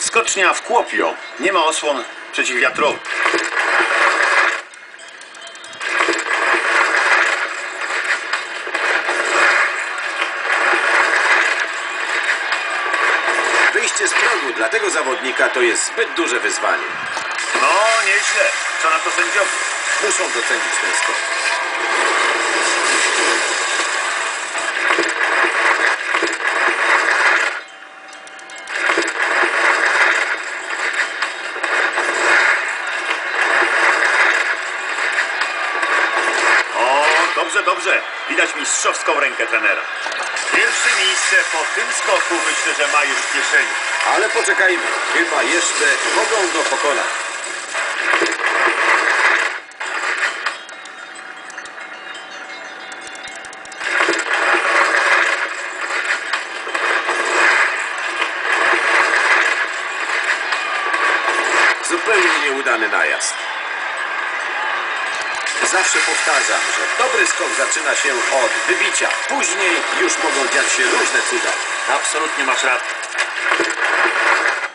Skocznia w Kuopio. Nie ma osłon przeciwwiatrowych. Wyjście z progu dla tego zawodnika to jest zbyt duże wyzwanie. No, nieźle. Co na to sędziowie? Muszą docenić ten skok. Dobrze, dobrze. Widać mistrzowską rękę trenera. Pierwsze miejsce po tym skoku myślę, że ma już w kieszeni. Ale poczekajmy, chyba jeszcze mogą go pokonać. Zupełnie nieudany najazd. Zawsze powtarzam, że dobry skok zaczyna się od wybicia. Później już mogą dziać się różne cuda. Absolutnie masz rację.